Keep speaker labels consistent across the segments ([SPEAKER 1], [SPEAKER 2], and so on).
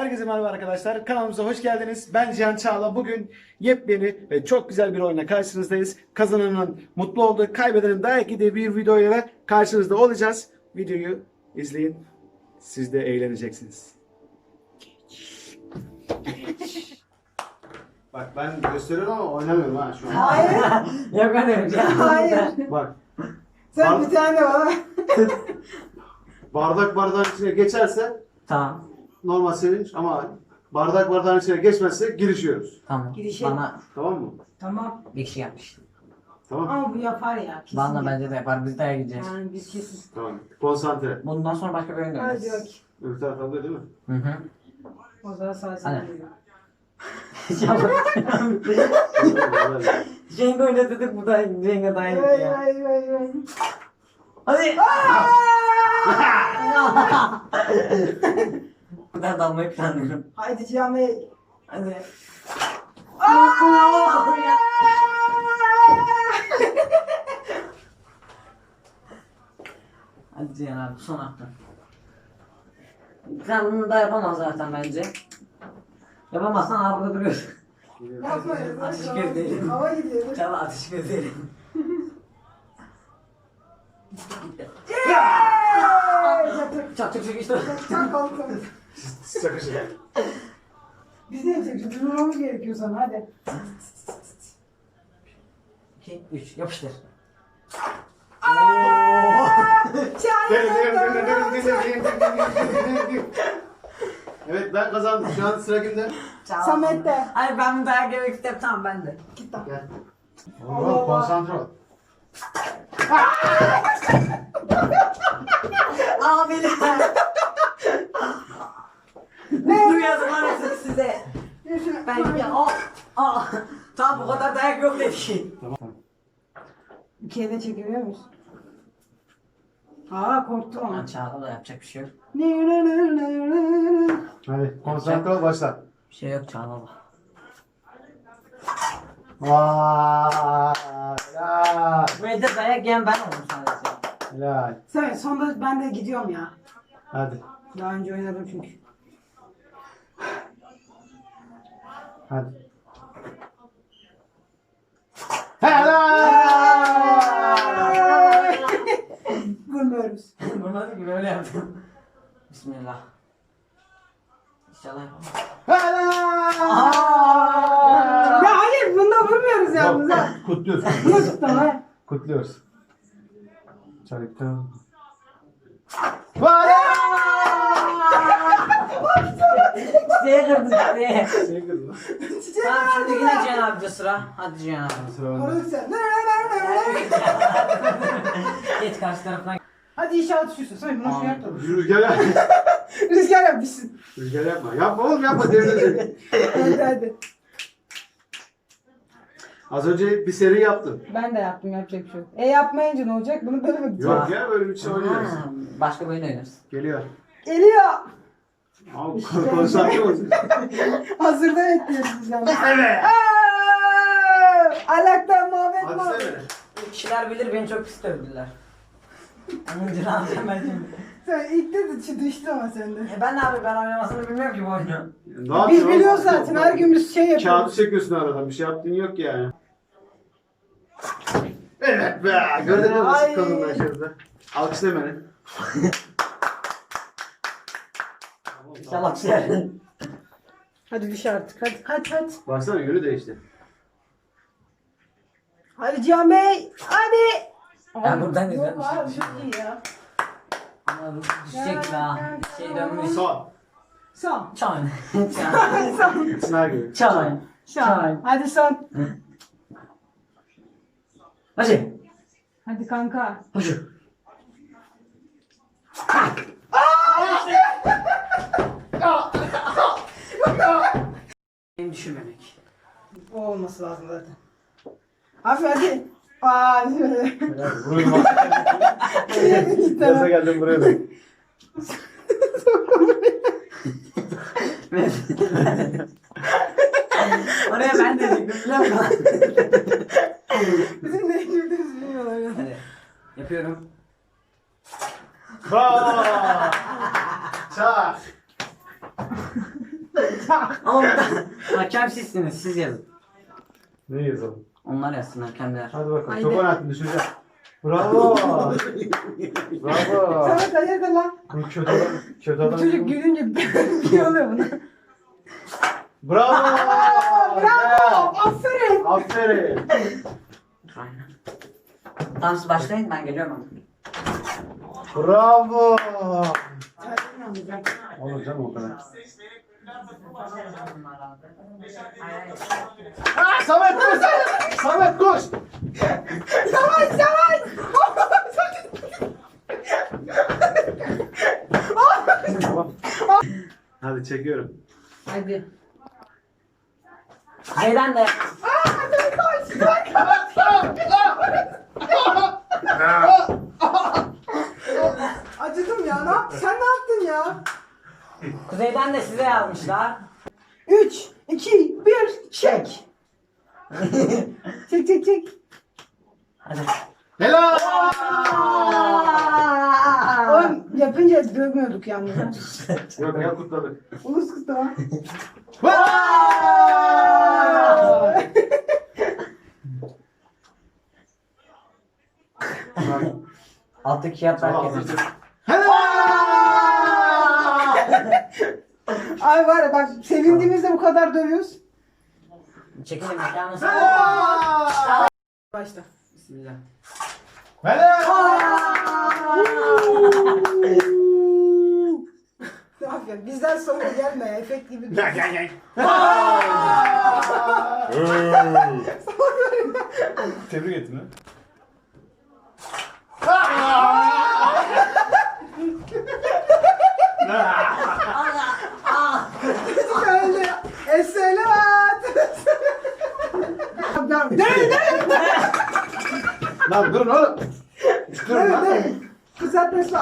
[SPEAKER 1] Herkese merhaba arkadaşlar. Kanalımıza hoş geldiniz. Ben Cihan Çağla. Bugün yepyeni ve çok güzel bir oyuna karşınızdayız. Kazananın mutlu olduğu, kaybedenin dayak yediği bir videoyla karşınızda olacağız. Videoyu izleyin. Siz de eğleneceksiniz. Bak ben gösteriyorum ama oynamıyorum ha şu an.
[SPEAKER 2] Hayır.
[SPEAKER 3] Yok öyle bir şey.
[SPEAKER 2] Hayır.
[SPEAKER 1] Bak.
[SPEAKER 2] Sen bir tane bana.
[SPEAKER 1] Bardak bardağın içine geçerse
[SPEAKER 3] Tamam.
[SPEAKER 1] normal sevinç ama bardak bardağın içine geçmezse girişiyoruz.
[SPEAKER 3] Tamam.
[SPEAKER 2] Girişe-
[SPEAKER 3] Bana
[SPEAKER 1] Tamam mı?
[SPEAKER 2] Tamam.
[SPEAKER 3] bir kişi yapmış.
[SPEAKER 1] Tamam.
[SPEAKER 2] Ama bu yapar ya. Kesin.
[SPEAKER 3] Bana bence de yapar. Biz de gideceğiz.
[SPEAKER 2] Yani biz kesin.
[SPEAKER 1] Tamam. Konsantre.
[SPEAKER 3] Bundan sonra başka bir oyun
[SPEAKER 2] Hadi
[SPEAKER 3] oynarız.
[SPEAKER 2] yok.
[SPEAKER 1] Öbür taraf alıyor değil mi?
[SPEAKER 3] Hı hı.
[SPEAKER 2] O zaman sağ
[SPEAKER 3] Hadi.
[SPEAKER 2] sen
[SPEAKER 3] Jenga oyna dedik bu da Jenga daha iyi
[SPEAKER 2] Vay
[SPEAKER 3] ya.
[SPEAKER 2] vay vay vay.
[SPEAKER 3] Hadi. Buradan dalmayı planlıyorum.
[SPEAKER 2] Haydi Cihan Bey.
[SPEAKER 3] Hadi. Hadi Cihan abi son hafta. Sen bunu da yapamaz zaten bence. Yapamazsan abi burada duruyorsun.
[SPEAKER 2] Yapmayın.
[SPEAKER 3] Ateş gözlerim.
[SPEAKER 2] Hava gidiyor.
[SPEAKER 3] Çala ateş gözlerim. Çok çok çok işte.
[SPEAKER 2] Çak kalkalım.
[SPEAKER 1] Sakışın.
[SPEAKER 2] Biz ne yapacağız? Durmamız gerekiyor sana hadi.
[SPEAKER 3] 2, 3 yapıştır.
[SPEAKER 1] Evet ben kazandım. Şu an sıra kimde?
[SPEAKER 2] Samet'te.
[SPEAKER 3] Hayır ben bir daha gelmek istedim tamam ben de.
[SPEAKER 2] Git lan.
[SPEAKER 1] Gel.
[SPEAKER 2] Allah Allah.
[SPEAKER 1] Konsantre ol.
[SPEAKER 3] Abiler.
[SPEAKER 2] Ne?
[SPEAKER 3] Duyuyorsun arasını size. Ben ya tamam bu kadar dayak yok dedi.
[SPEAKER 1] Tamam.
[SPEAKER 2] Bir kere de çekebiliyor muyuz? Aa korktum ama.
[SPEAKER 3] Çağla da yapacak bir şey yok.
[SPEAKER 1] Hadi konsantre ol başla.
[SPEAKER 3] Bir şey yok Çağla da.
[SPEAKER 1] Vay. Helal.
[SPEAKER 3] Bu evde dayak yiyen ben oldum sadece.
[SPEAKER 1] Helal.
[SPEAKER 2] Sen sonunda ben de gidiyorum ya.
[SPEAKER 1] Hadi.
[SPEAKER 2] Daha önce oynadım çünkü.
[SPEAKER 1] Hadi. Helal.
[SPEAKER 2] Vurmuyoruz.
[SPEAKER 3] Bunu gibi öyle yaptım. Bismillah. İnşallah yapamam.
[SPEAKER 1] Helal.
[SPEAKER 2] Ya hayır bunda vurmuyoruz yalnız ha.
[SPEAKER 1] Kutluyoruz.
[SPEAKER 2] Nasıl tamam?
[SPEAKER 1] Kutluyoruz. Çarıktım.
[SPEAKER 3] Çiçeğe kırdı çiçeğe.
[SPEAKER 1] Şey kızım.
[SPEAKER 3] Tamam şimdi yine Cihan abice sıra. Hadi Cihan abi.
[SPEAKER 1] Sıra bende.
[SPEAKER 2] Orası sen.
[SPEAKER 3] Geç karşı tarafına.
[SPEAKER 2] Hadi inşallah düşürsün. Sen bunu şey yapma.
[SPEAKER 1] Rüzgar yap.
[SPEAKER 2] Rüzgar yapmışsın.
[SPEAKER 1] Rüzgar yapma. Yapma oğlum yapma devrilecek.
[SPEAKER 2] Hadi hadi.
[SPEAKER 1] Az önce bir seri yaptın.
[SPEAKER 2] Ben de yaptım yapacak bir şey yok. Yapmayınca ne olacak? Bunu böyle mi gideceğiz?
[SPEAKER 1] Yok ya böyle bir şey oynarız.
[SPEAKER 3] Ha, başka bir oyun oynarız.
[SPEAKER 1] Geliyor.
[SPEAKER 2] Geliyor.
[SPEAKER 1] Abi
[SPEAKER 2] İşte.
[SPEAKER 1] konsantre olsun.
[SPEAKER 2] Hazırda bekliyoruz biz yalnız.
[SPEAKER 1] Evet.
[SPEAKER 2] Alaktan muhabbet
[SPEAKER 1] Hadi
[SPEAKER 2] muhabbet.
[SPEAKER 1] sene.
[SPEAKER 3] Kişiler bilir beni çok pis dövdüler. Onun cını alacağım ben şimdi.
[SPEAKER 2] Sen ilk de düştü ama sende.
[SPEAKER 3] Ben abi ben oynamasını bilmiyorum ki bu oyunu.
[SPEAKER 1] Ne
[SPEAKER 2] Biz
[SPEAKER 1] yapıyorsun
[SPEAKER 2] biliyoruz
[SPEAKER 1] oğlum?
[SPEAKER 2] zaten her gün biz şey
[SPEAKER 1] Kağıdı
[SPEAKER 2] yapıyoruz.
[SPEAKER 1] çekiyorsun aradan. Bir şey yaptığın yok yani. Evet be. Gördün mü nasıl
[SPEAKER 2] Ay.
[SPEAKER 1] kalın ben şurada. Alkışla beni.
[SPEAKER 3] İnşallah şey.
[SPEAKER 2] Hadi düş artık hadi hadi hadi.
[SPEAKER 1] Baksana yönü değişti.
[SPEAKER 2] Hadi Cihan Bey hadi.
[SPEAKER 3] Ben buradan izliyorum.
[SPEAKER 2] Yok abi çok iyi ya.
[SPEAKER 3] Ama düşecek daha. Şey dönmüş.
[SPEAKER 1] Son.
[SPEAKER 2] Son.
[SPEAKER 3] Çan.
[SPEAKER 2] Son.
[SPEAKER 1] Sınav gibi.
[SPEAKER 3] Çan.
[SPEAKER 2] Son. Hadi son.
[SPEAKER 3] Hadi.
[SPEAKER 2] Hadi kanka.
[SPEAKER 3] Hadi. Beni düşürmemek.
[SPEAKER 2] O olması lazım zaten. Abi hadi. Hadi böyle.
[SPEAKER 1] Buraya bak. Gaza geldim buraya da.
[SPEAKER 3] Oraya ben de diyecektim biliyor musun?
[SPEAKER 2] Bizim ne güldüğümüzü bilmiyorlar ya.
[SPEAKER 3] Hadi. Yapıyorum.
[SPEAKER 1] Bravo. Çak.
[SPEAKER 3] Ama hakem sizsiniz, siz yazın.
[SPEAKER 1] Ne yazalım?
[SPEAKER 3] Onlar yazsın hakemler.
[SPEAKER 1] Hadi bakalım.
[SPEAKER 2] Haydi.
[SPEAKER 1] Çok oynattın düşeceğim. Bravo. Bravo.
[SPEAKER 2] Samet hayırdır lan?
[SPEAKER 1] Bu kötü adam. Kötü
[SPEAKER 2] Bu
[SPEAKER 1] adam.
[SPEAKER 2] çocuk gülünce bir şey oluyor buna.
[SPEAKER 1] Bravo.
[SPEAKER 2] Bravo. Aferin.
[SPEAKER 1] Aferin.
[SPEAKER 3] Aynen. Tamam siz başlayın, ben geliyorum.
[SPEAKER 1] Bravo. Olur canım o kadar. Ah, Samet koş. Samet koş.
[SPEAKER 2] Yavaş yavaş.
[SPEAKER 1] Hadi çekiyorum.
[SPEAKER 2] Hadi.
[SPEAKER 3] Neden de?
[SPEAKER 2] Acıdım ya. Ne yaptın? Sen ne yaptın ya?
[SPEAKER 3] Kuzeyden de size yazmışlar.
[SPEAKER 2] 3, 2, 1, çek. Çek çek çek.
[SPEAKER 3] Hadi.
[SPEAKER 1] Helal.
[SPEAKER 2] Oğlum yapınca dövmüyorduk yalnız.
[SPEAKER 1] Yok ya kutladık.
[SPEAKER 2] Ulus kutlama.
[SPEAKER 3] Alttaki kağıt herkesin.
[SPEAKER 2] Ay var ya bak sevindiğimizde bu kadar dövüyoruz.
[SPEAKER 3] Çekilin mekanı.
[SPEAKER 2] Başla.
[SPEAKER 3] Bismillah.
[SPEAKER 2] Aferin. Bizden sonra gelme ya. Efekt gibi.
[SPEAKER 1] Tebrik ettim lan.
[SPEAKER 2] Öyle. Esselat. Dön dön.
[SPEAKER 1] Lan durun oğlum. Durun lan.
[SPEAKER 2] Dön. Kızartması.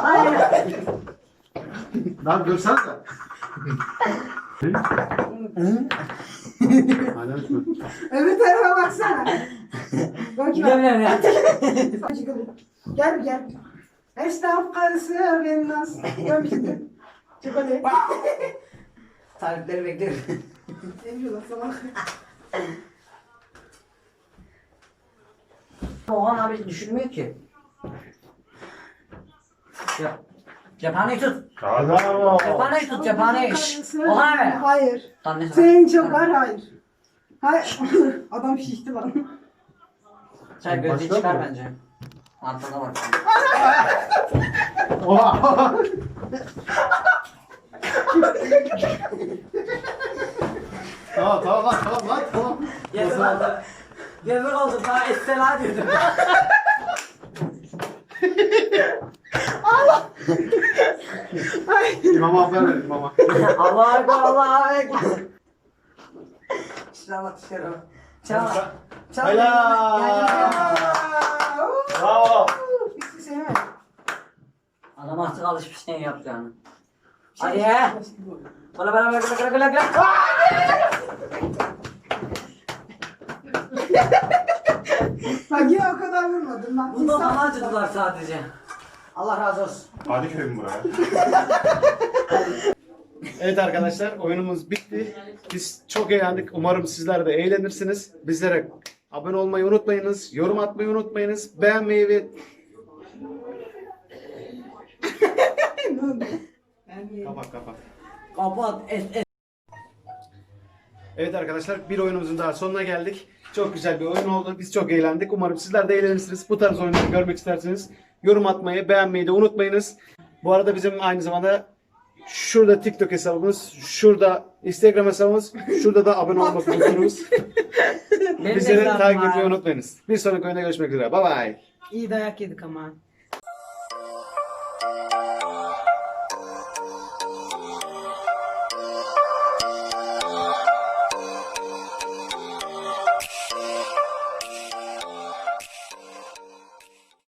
[SPEAKER 1] Lan dursanıza. Hala düşme.
[SPEAKER 2] Öbür tarafa baksana. Bak
[SPEAKER 3] Gidemiyorum ya.
[SPEAKER 2] Gel gel. Esnaf karısı ben nasıl? Dön şimdi. Çık hadi.
[SPEAKER 3] Tarifleri bekliyorum.
[SPEAKER 2] Emriyorlar sana.
[SPEAKER 3] Oğlan abi düşünmüyor ki. Ya. Cephaneyi tut.
[SPEAKER 1] Bravo.
[SPEAKER 3] Cephaneyi tut, cephaneyi. Oha be.
[SPEAKER 2] Hayır.
[SPEAKER 3] Tamam neyse.
[SPEAKER 2] Senin çok var hayır. Hayır. Adam şişti lan.
[SPEAKER 3] Sen gözlüğü
[SPEAKER 1] Başka
[SPEAKER 3] çıkar
[SPEAKER 1] mı?
[SPEAKER 3] bence. Arkana bak.
[SPEAKER 1] Oha. Tamam lan tamam.
[SPEAKER 3] Yazık oldu. Yazık oldu. Daha estela diyordum.
[SPEAKER 1] İmama haber verin imama.
[SPEAKER 3] Allah ekber, Allah ekber. İnşallah dışarı. Çal. Çal.
[SPEAKER 1] Helal. Bravo.
[SPEAKER 2] Hiçbir şey mi?
[SPEAKER 3] Adam artık alışmış ne yapacağını. Hadi. Bala bala bala bala bala bala.
[SPEAKER 2] Bak yine o kadar vurmadım ben.
[SPEAKER 3] Bundan bana acıdılar sadece. Allah razı olsun.
[SPEAKER 1] Hadi köyüm buraya. Evet arkadaşlar oyunumuz bitti. Biz çok eğlendik. Umarım sizler de eğlenirsiniz. Bizlere abone olmayı unutmayınız. Yorum atmayı unutmayınız. Beğenmeyi ve... Kapat.
[SPEAKER 3] Kapat.
[SPEAKER 1] Evet arkadaşlar bir oyunumuzun daha sonuna geldik. Çok güzel bir oyun oldu. Biz çok eğlendik. Umarım sizler de eğlenirsiniz. Bu tarz oyunları görmek isterseniz yorum atmayı, beğenmeyi de unutmayınız. Bu arada bizim aynı zamanda şurada TikTok hesabımız, şurada Instagram hesabımız, şurada da abone olmak unutmayınız. Bizleri takip etmeyi unutmayınız. Bir sonraki oyunda görüşmek üzere. Bye bye.
[SPEAKER 2] İyi dayak yedik ama.